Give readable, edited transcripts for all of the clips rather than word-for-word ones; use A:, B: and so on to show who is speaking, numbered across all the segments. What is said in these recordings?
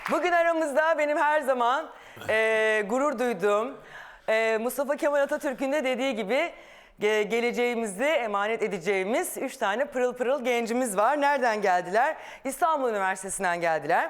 A: Bugün aramızda benim her zaman gurur duyduğum Mustafa Kemal Atatürk'ün de dediği gibi geleceğimizi emanet edeceğimiz 3 tane pırıl pırıl gencimiz var. Nereden geldiler? İstanbul Üniversitesi'nden geldiler.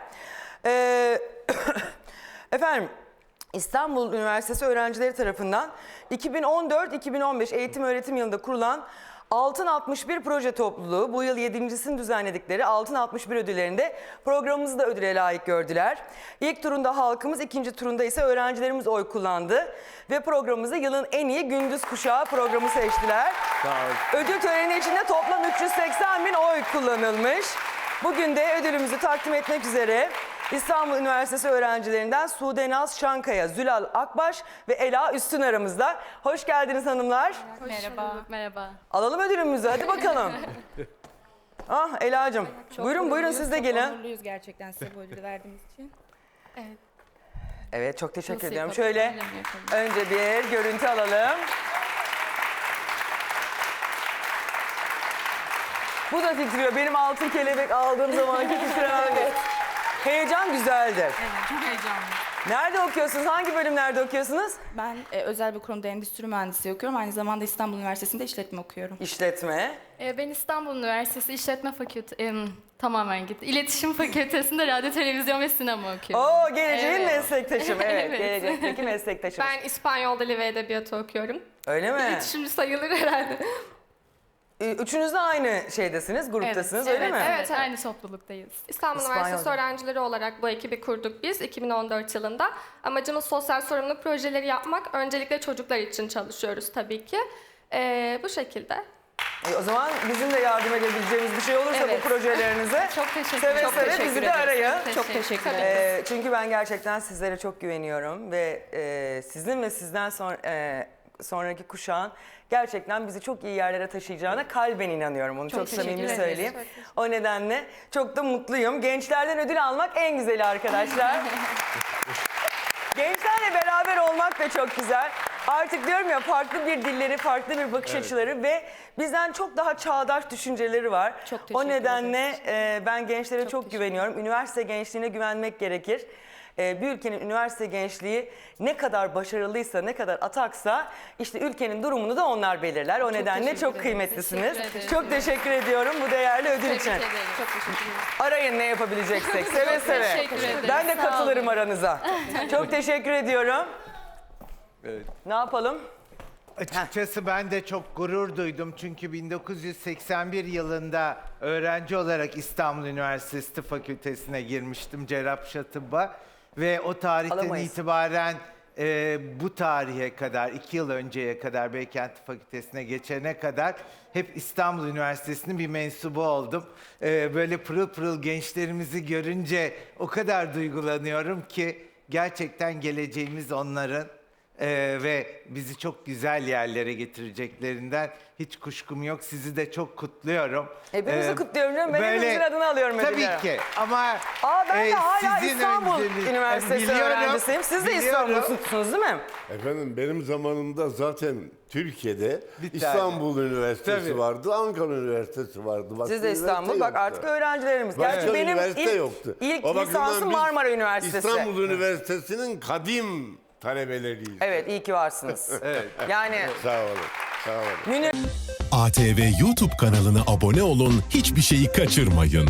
A: Efendim, İstanbul Üniversitesi öğrencileri tarafından 2014-2015 eğitim öğretim yılında kurulan Altın 61 proje topluluğu bu yıl 7.sini düzenledikleri Altın 61 ödüllerinde programımızı da ödüle layık gördüler. İlk turunda halkımız, ikinci turunda ise öğrencilerimiz oy kullandı. Ve programımızı yılın en iyi gündüz kuşağı programı seçtiler. Ödül töreni içinde toplam 380.000 oy kullanılmış. Bugün de ödülümüzü takdim etmek üzere İstanbul Üniversitesi öğrencilerinden Sude Naz Şankaya, Zülal Akbaş ve Ela Üstün aramızda. Hoş geldiniz hanımlar.
B: Merhaba. Merhaba.
A: Alalım ödülümüzü, hadi bakalım. Ela'cığım, buyurun siz de gelin.
C: Çok onurluyuz gerçekten size bu ödülü verdiğimiz için.
B: Evet.
A: Evet, çok teşekkür
B: Nasıl
A: ediyorum.
B: yapalım,
A: Şöyle
B: öyle mi yapalım?
A: önce bir görüntü alalım. Bu da titriyor. Benim altın kelebek aldığım zamanki titremen. Heyecan güzeldir.
C: Evet, çok heyecanlı.
A: Nerede okuyorsunuz? Hangi bölümlerde okuyorsunuz?
C: Ben özel bir kurumda endüstri mühendisliği okuyorum. Aynı zamanda İstanbul Üniversitesi'nde işletme okuyorum.
A: İşletme.
B: Ben İstanbul Üniversitesi İşletme Fakültesi, tamamen gitti. İletişim Fakültesi'nde radyo, televizyon ve sinema okuyorum.
A: Oo, geleceğin
B: Evet.
A: meslektaşım. Evet,
B: Evet.
A: gelecekteki meslektaşım.
D: Ben İspanyol Dili ve Edebiyatı okuyorum.
A: Öyle mi?
D: İletişimci sayılır herhalde.
A: Üçünüz de aynı şeydesiniz, gruptasınız, öyle mi?
D: Evet.
B: Aynı topluluktayız.
D: İstanbul
A: İspanyol
D: Üniversitesi
A: Dili.
D: öğrencileri olarak bu ekibi kurduk biz 2014 yılında. Amacımız sosyal sorumluluk projeleri yapmak. Öncelikle çocuklar için çalışıyoruz tabii ki. Bu şekilde.
A: O zaman bizim de yardım edebileceğimiz bir şey olursa
D: Evet.
A: bu projelerinize
B: Çok teşekkür
A: seve
B: ederim.
A: seve bizi de arayın.
C: Çok teşekkür ederim.
A: Çünkü ben gerçekten sizlere çok güveniyorum ve sizin ve sizden sonraki kuşağın gerçekten bizi çok iyi yerlere taşıyacağına kalben inanıyorum. Onu çok
B: teşekkür
A: samimi
B: ederiz.
A: söyleyeyim. O nedenle çok da mutluyum. Gençlerden ödül almak en güzeli arkadaşlar. Gençlerle beraber olmak da çok güzel. Artık diyorum ya, farklı bir dilleri, farklı bir bakış açıları ve bizden çok daha çağdaş düşünceleri var.
C: Çok teşekkür
A: O nedenle
C: ederiz.
A: ben gençlere çok
C: teşekkür
A: güveniyorum. Üniversite gençliğine güvenmek gerekir. Bir ülkenin üniversite gençliği ne kadar başarılıysa, ne kadar ataksa işte ülkenin durumunu da onlar belirler. O nedenle
C: teşekkür
A: çok
C: ederim.
A: kıymetlisiniz.
B: Teşekkür ederim.
A: Çok teşekkür ediyorum bu değerli ödül için.
B: Tebrik ederim.
C: Çok teşekkür ederim.
A: Arayın ne yapabileceksek, seve seve.
B: teşekkür ederim.
A: Ben de
B: Sağ
A: katılırım
B: olun.
A: aranıza. Çok teşekkür ediyorum.
E: Evet.
A: Ne yapalım?
E: Açıkçası ben de çok gurur duydum çünkü 1981 yılında öğrenci olarak İstanbul Üniversitesi Tıp Fakültesine girmiştim, Cerrahpaşa Tıbba ve o tarihten
A: Alamayız.
E: itibaren bu tarihe kadar, 2 yıl önceye kadar Beykent Tıp Fakültesine geçene kadar hep İstanbul Üniversitesi'nin bir mensubu oldum. Böyle pırıl pırıl gençlerimizi görünce o kadar duygulanıyorum ki gerçekten geleceğimiz onların. Ve bizi çok güzel yerlere getirecekleri hiç kuşkum yok. Sizi de çok kutluyorum.
A: Hepimizi kutluyorum canım. Ben hepimizin adını alıyorum
E: Tabii
A: ödülleri.
E: ki ama
A: Ben de hala
E: sizin
A: İstanbul
E: önceliğiniz-
A: Üniversitesi
E: Biliyorum,
A: öğrencisiyim. Siz de
E: biliyorum.
A: İstanbul'sunuz değil mi?
F: Efendim benim zamanımda zaten Türkiye'de
E: Bir tane.
F: İstanbul Üniversitesi
E: Tabii.
F: vardı, Ankara Üniversitesi vardı. Başka
A: Siz de İstanbul.
F: üniversite
A: Bak
F: yoktu.
A: artık öğrencilerimiz.
F: Başka
A: Gerçi benim
F: üniversite yoktu.
A: ilk
F: O bakımdan
A: lisansım
F: biz
A: Marmara Üniversitesi.
F: İstanbul Üniversitesi'nin kadim talebeleriyiz.
A: Evet, iyi ki varsınız. Yani
F: Sağ olun. Sağ olun.
A: Münir
G: ATV YouTube kanalına abone olun, hiçbir şeyi kaçırmayın.